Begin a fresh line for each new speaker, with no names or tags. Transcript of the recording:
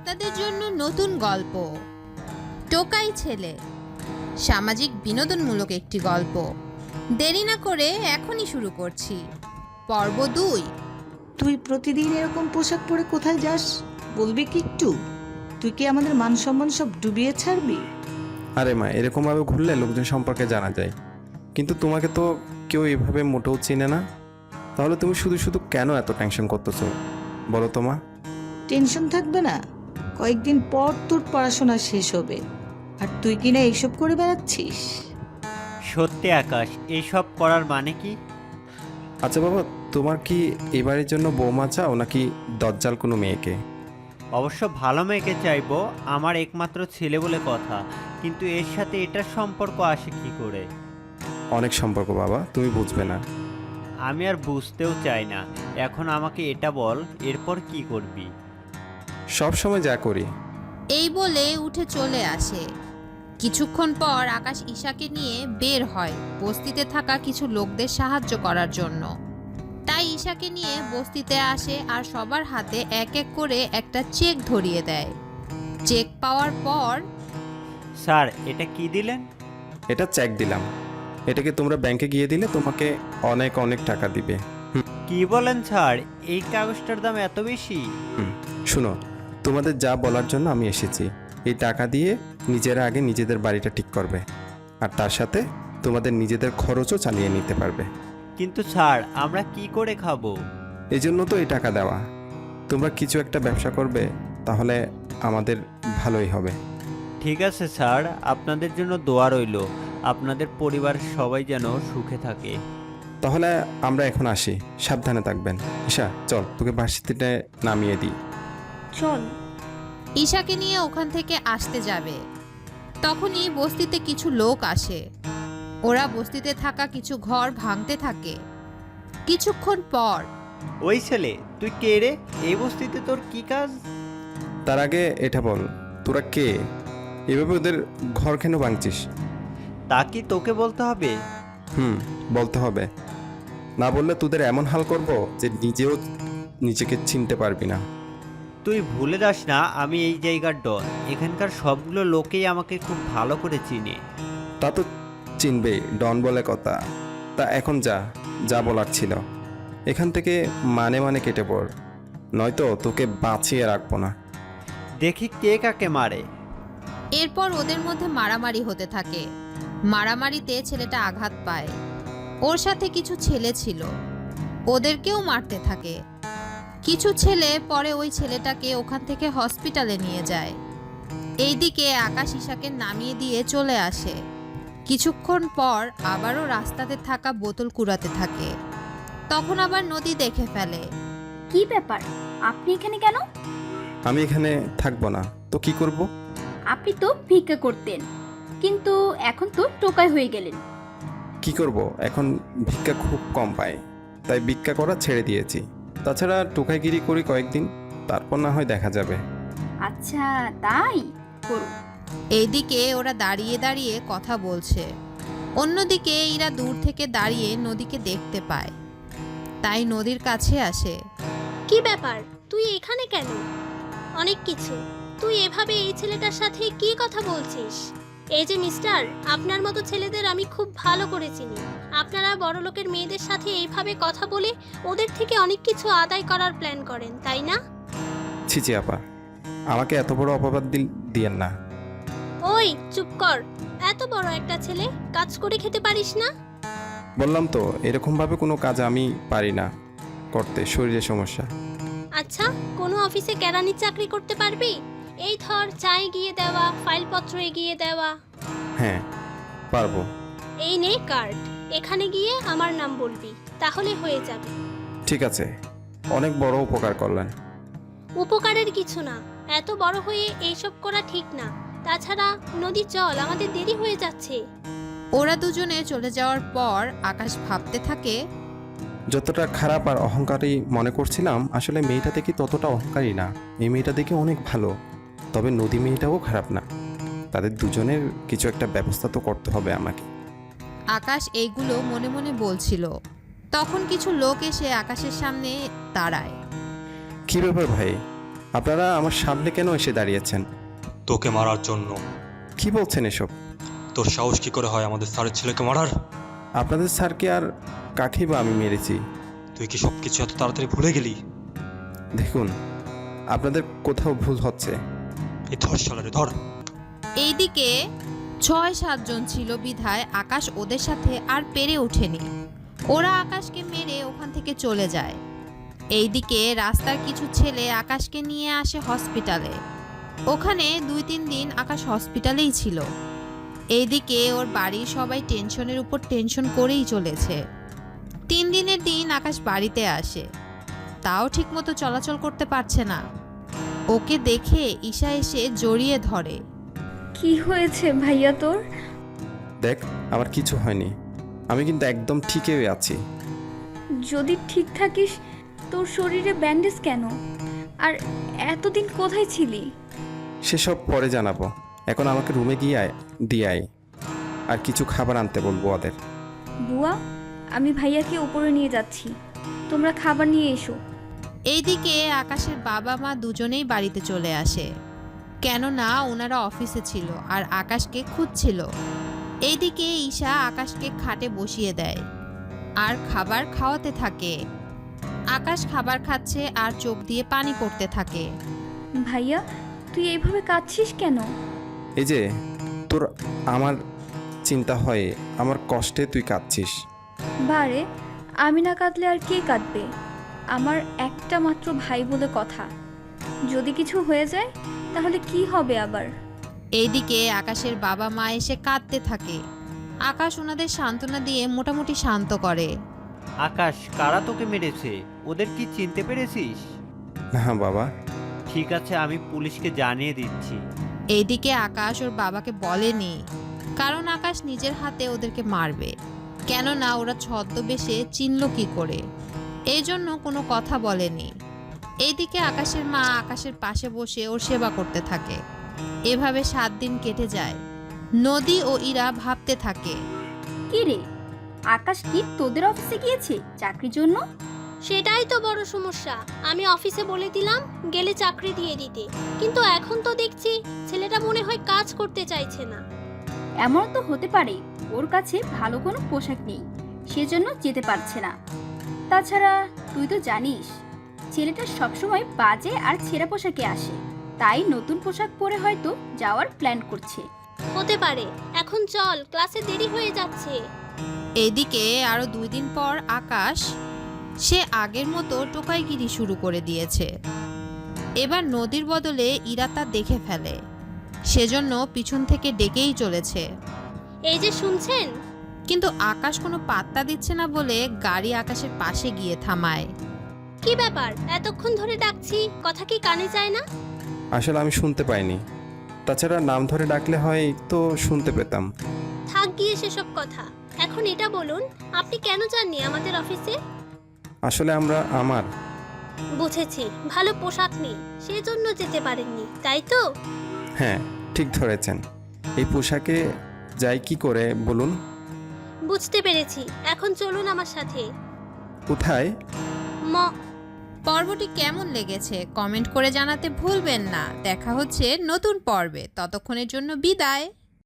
আপনাদের জন্য নতুন গল্প টোকাই ছেলে, সামাজিক বিনোদনমূলক একটি গল্প। দেরি না করে এখনই শুরু করছি পর্ব 2।
তুই প্রতিদিন এরকম পোশাক পরে কোথায় যাস বলবি কি একটু? তুই কি আমাদের মান সম্মান সব ডুবিয়ে ছাড়বি?
আরে মা, এরকমভাবে ঘুরলে লোকজন সম্পর্কে জানা যায়, কিন্তু তোমাকে তো কেউ এভাবে মোটেও চিনে না। তাহলে তুমি শুধু শুধু কেন এত টেনশন করতেছো বলো তো মা?
টেনশন থাকবে না? কয়েকদিন পর তোর পড়াশোনা শেষ হবে, আর তুই কিনা এইসব করে বেড়াচ্ছিস।
সত্যি আকাশ, এইসব করার মানে কি?
আচ্ছা বাবা, তোমার কি এবারের জন্য বৌমা চাও নাকি দজ্জাল কোনো মেয়েকে?
অবশ্য ভালো মেয়েকে চাইবো, আমার একমাত্র ছেলে বলে কথা, কিন্তু এর সাথে এটার সম্পর্ক আসে কি করে?
অনেক সম্পর্ক বাবা, তুমি বুঝবে না।
আমি আর বুঝতেও চাই না। এখন আমাকে এটা বল, এরপর কি করবি?
সব সময় যা করি।
এই বলে উঠে চলে আসে। কিছুক্ষণ পর আকাশ ঈশাকে নিয়ে বের হয় বস্তিতে থাকা কিছু লোকদের সাহায্য করার জন্য। তাই ঈশাকে নিয়ে বস্তিতে আসে আর সবার হাতে এক এক করে একটা চেক ধরিয়ে দেয়। চেক পাওয়ার পর,
স্যার, এটা কি দিলেন?
এটা চেক দিলাম, এটাকে তোমরা ব্যাংকে গিয়ে দিলে তোমাকে অনেক অনেক টাকা দিবে।
কি বলেন স্যার, এই কাগজটার দাম এত বেশি?
শুনো, তোমাদের যা বলার জন্য আমি এসেছি। এই টাকা দিয়ে নিজেরা আগে নিজেদের বাড়িটা ঠিক করবে, আর তার সাথে তোমাদের নিজেদের খরচও চালিয়ে নিতে পারবে।
কিন্তু স্যার, আমরা কি করে খাবো?
এই জন্য তো এই টাকা দেওয়া। তোমরা কিছু একটা ব্যবসা করবে, তাহলে আমাদের ভালোই হবে।
ঠিক আছে স্যার, আপনাদের জন্য দোয়া রইল। আপনাদের পরিবারের সবাই যেন সুখে থাকে।
তাহলে আমরা এখন আসি, সাবধানে থাকবেন। ঈশা চল, তোকে ভার্সিটিতে নামিয়ে দিই।
চল।
ঈশাকে নিয়ে ওখান থেকে আসতে যাবে, তখনই বস্তিতে কিছু লোক আসে। ওরা বস্তিতে থাকা কিছু ঘর ভাঙতে থাকে। কিছুক্ষণ পর,
ওই ছেলে, তুই কে রে? এই বস্তিতে তোর কি কাজ?
তার আগে এটা বল, তোরা কে? এভাবে ওদের ঘর কেন ভাঙছিস?
তা কি তোকে বলতে হবে?
বলতে হবে। না বললে তোদের এমন হাল করব যে নিজেও নিজেকে চিনতে পারবি না।
তুই ভুলে যাস না, আমি এই জায়গার ডন। এখানকার সবগুলো লোকেই আমাকে খুব ভালো করে চিনে।
তা তো চিনবেই, ডন বলে কথা। তা এখন যা, যা বলার ছিল। এখান থেকে মানে মানে কেটে পড়, নয়তো তোকে বাঁচিয়ে রাখবো না।
দেখি কে কাকে মারে।
এরপর ওদের মধ্যে মারামারি হতে থাকে। মারামারিতে ছেলেটা আঘাত পায়। ওর সাথে কিছু ছেলে ছিল, ওদেরকেও মারতে থাকে। কিছু ছেলে পরে ওই ছেলেটাকে ওখান থেকে হসপিটালে নিয়ে যায়। এইদিকে আকাশ ঈশাকে নামিয়ে দিয়ে চলে আসে। কিছুক্ষণ পর আবারও রাস্তাতে থাকা বোতল কুড়াতে থাকে। তখন আবার নদী দেখে ফেলে।
কি ব্যাপার, আপনি এখানে কেন?
আমি এখানে থাকবো না তো কি করব?
আপনি তো ভিক্ষা করতেন, কিন্তু এখন তো টোকাই হয়ে গেলেন।
কি করব, এখন ভিক্ষা খুব কম পাই, তাই ভিক্ষা করা ছেড়ে দিয়েছি। তাছাড়া টোকাইগিরি করি কয়েকদিন, তারপর না হয় দেখা যাবে।
আচ্ছা, তাই করুন।
এইদিকে ওরা দাঁড়িয়ে দাঁড়িয়ে কথা বলছে, অন্যদিকে এরা দূর থেকে দাঁড়িয়ে নদীকে দেখতে পায়, তাই নদীর কাছে আসে।
কি ব্যাপার, তুই এখানে কেন? অনেক কিছু। তুই এভাবে এই ছেলেটার সাথে কি কথা বলছিস? এই যে মিস্টার, আপনার মতো ছেলেদের আমি খুব ভালো করে চিনি। আপনারা বড়লোকের মেয়েদের সাথে এইভাবে কথা বলে ওদের থেকে অনেক কিছু আদায় করার প্ল্যান করেন, তাই না?
ছিচি আপা, আমাকে এত বড় অপবাদ দিয়েন না।
ওই চুপ কর। এত বড় একটা ছেলে, কাজ করে খেতে পারিস না?
বললাম তো, এরকমভাবে কোনো কাজ আমি পারি না করতে, শরীরে সমস্যা।
আচ্ছা, কোনো অফিসে কেরানির চাকরি করতে পারবি? এই ধর, চা এগিয়ে দেওয়া, ফাইলপত্র এগিয়ে দেওয়া।
হ্যাঁ পারবো।
এই নে কার্ড, এখানে গিয়ে আমার নাম বলবি, তাহলে হয়ে যাবে।
ঠিক আছে, অনেক বড় উপকার করলেন।
উপকারের কিছু না, এত বড় হয়ে এইসব করা ঠিক না। তাছাড়া নদী চল, আমাদের দেরি হয়ে যাচ্ছে।
ওরা দুজনে চলে যাওয়ার পর আকাশ ভাবতে থাকে,
যতটা খারাপ আর অহংকারী মনে করছিলাম, আসলে মেয়েটা দেখি ততটা অহংকারী না। এই মেয়েটা দেখি অনেক ভালো, তবে নদী মেয়েটাও খারাপ না। তাদের দুজনের কিছু একটা ব্যবস্থা তো করতে হবে আমাকে।
আকাশ এইগুলো মনে মনে বলছিল। তখন কিছু লোক এসে আকাশের সামনে দাঁড়ায়।
কি ব্যাপার ভাই, আপনারা আমার সামনে কেন এসে দাঁড়িয়েছেন?
তোকে মারার জন্য।
কি বলছেন এসব?
তোর সাহস কি করে হয় আমাদের স্যারের ছেলেকে মারার?
আপনাদের স্যারকে আর কাকেই বা আমি মেরেছি?
তুই কি সব কিছু এত তাড়াতাড়ি ভুলে গেলি?
দেখুন, আপনাদের কোথাও ভুল হচ্ছে।
এই ধর শালারে ধর।
এইদিকে 6-7 জন ছিল বিধায় আকাশ ওদের সাথে আর পেরে ওঠেনি। ওরা আকাশকে মেরে ওখান থেকে চলে যায়। এইদিকে রাস্তার কিছু ছেলে আকাশকে নিয়ে আসে হসপিটালে। ওখানে 2-3 দিন আকাশ হসপিটালেই ছিল। এইদিকে ওর বাড়ির সবাই টেনশনের উপর টেনশন করেই চলেছে। 3 দিনের দিন আকাশ বাড়িতে আসে, তাও ঠিকমতো চলাচল করতে পারছে না। ওকে দেখে ঈশা এসে জড়িয়ে ধরে।
কি হয়েছে ভাইয়া তোর?
দেখ, আমার কিছু হয়নি, আমি কিন্তু একদম ঠিকই আছি।
যদি ঠিক থাকিস তোর শরীরে ব্যান্ডেজ কেন? আর এতদিন কোথায় ছিলি?
সেসব পরে জানাবো, এখন আমাকে রুমে দিয়ে আয়, আর কিছু খাবার আনতে বলবো ওদের।
বুয়া, আমি ভাইয়াকে উপরে নিয়ে যাচ্ছি, তোমরা খাবার নিয়ে এসো।
এইদিকে আকাশের বাবা মা দুজনেই বাড়িতে চলে আসে, কেননা ওনারা অফিসে ছিল আর আকাশকে খুঁজছিল। এইদিকে ঈশা আকাশকে খাটে বসিয়ে দেয় আর খাবার খাওয়াতে থাকে। আকাশ খাবার খাচ্ছে আর চোখ দিয়ে পানি পড়তে থাকে।
ভাইয়া, তুই এইভাবে কাঁদছিস কেন?
এই যে তোর আমার চিন্তা হয়, আমার কষ্টে তুই কাঁদছিস।
বারে, আমি না কাঁদলে আর কে কাঁদবে? আমার একটা মাত্র ভাই বলে কথা, যদি কিছু হয়ে যায় তাহলে কি হবে আবার?
এইদিকে আকাশের বাবা মা এসে কাঁদতে থাকে। আকাশ ওনাদের সান্ত্বনা দিয়ে মোটামুটি শান্ত করে।
আকাশ, কারা তোকে মেরেছে? ওদের কি চিনতে পেরেছিস?
না বাবা।
ঠিক আছে, আমি পুলিশকে জানিয়ে দিচ্ছি।
এইদিকে আকাশ ওর বাবাকে বলেনি, কারণ আকাশ নিজের হাতে ওদেরকে মারবে, কেননা ওরা ছদ্মবেশে চিনল কি করে, এই জন্য কোনো কথা বলেনি। এইদিকে আকাশের মা আকাশের পাশে বসে ওর সেবা করতে থাকে। এভাবে 7 দিন কেটে যায়। নদী ও ইরা ভাবতে থাকে,
কি রে, আকাশ কি তোদের অফিসে গিয়েছে চাকরির জন্য?
সেটাই তো বড় সমস্যা। আমি অফিসে বলে দিলাম গেলে চাকরি দিয়ে দিতে, কিন্তু এখন তো দেখছি ছেলেটা মনে হয় কাজ করতে চাইছে না।
এমন তো হতে পারে ওর কাছে ভালো কোনো পোশাক নেই, সেজন্য যেতে পারছে না। তাছাড়া তুই তো জানিস ছেলেটা সবসময় বাজে আর ছেঁড়া পোশাকে আসে, তাই নতুন পোশাক পরে হয়তো যাওয়ার প্ল্যান করছে।
হতে পারে। এখন চল, ক্লাসে দেরি হয়ে যাচ্ছে।
এইদিকে আরো 2 দিন পর আকাশ সে আগের মতো টোকাইগিরি শুরু করে দিয়েছে। এবার নদীর বদলে ইরা তা দেখে ফেলে, সেজন্য পিছন থেকে ডেকেই চলেছে।
এই যে শুনছেন?
কিন্তু আকাশ কোনো পাত্তা দিচ্ছে না বলে গাড়ি আকাশের পাশে গিয়ে থামায়।
কি ব্যাপার, এতক্ষণ ধরে ডাকছি, কথা কি কানে যায় না?
আসলে আমি শুনতে পাইনি, তাছাড়া নাম ধরে ডাকলে হয় তো শুনতে পেতাম।
থাক গিয়ে সেসব কথা। এখন এটা বলুন, আপনি কেন যাননি আমাদের অফিসে?
আসলে আমার
বুঝেছি, ভালো পোশাক নেই, সেজন্য যেতে পারেননি, তাই তো?
হ্যাঁ, ঠিক ধরেছেন। এই পোশাকে যাই কি করে বলুন?
বুঝতে পেরেছি, এখন চলুন আমার সাথে।
কোথায়?
পর্বটি কেমন লেগেছে কমেন্ট করে জানাতে ভুলবেন না। দেখা হচ্ছে নতুন পর্বে, ততক্ষণের জন্য বিদায়।